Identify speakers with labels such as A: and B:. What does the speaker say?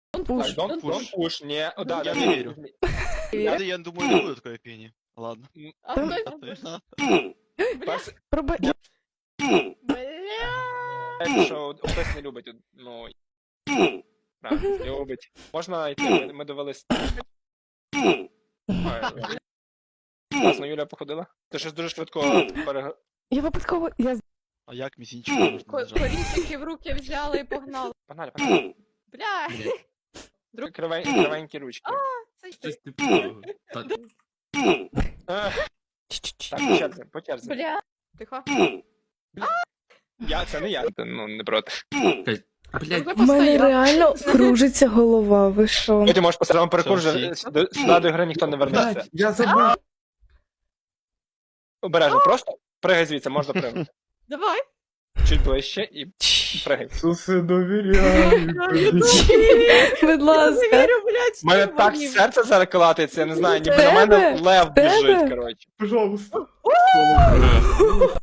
A: Так,
B: Пуш.
A: don't push, не, о, да,
C: Я
A: да,
C: не
A: да.
C: верю. Я думаю, не будет такой пени. Ладно.
B: А
C: А
B: хтось...
C: то я-
A: Перше,
B: Пробач.
A: знаєте, що хтось не любить, ну, правильно, любить. Можна йти, ми довелись. Класно, Юля походила. Ти щось дуже швидко
B: Я випадково.
C: А як мізінчик можна нажати?
D: Корінчики в руки взяли і погнали.
A: Погнали, погнали.
D: Бля,
A: Кривенькі ручки.
D: це
E: Щось
D: ти.
E: типу. Так,
A: Так, по черзі, по черзі.
D: Бля. Тихо.
A: Це не я, ну, не проти.
E: блядь,
D: Ви
B: У мене
D: постояли.
B: реально кружиться голова, ви що?
A: Ти можеш поставити перекур,
C: Все,
A: сюди до гри ніхто не вернеться.
E: блядь, я забув.
A: Обережно, просто пригай звідси, можна пригати.
D: Давай.
A: Чуть ближче і пригай.
E: Суси довіряю.
B: Будь ласка.
D: Вірю, блядь,
A: У мене так серце зараз колотиться, я не знаю, ніби на мене лев біжить, коротше.
E: Пожалуйста.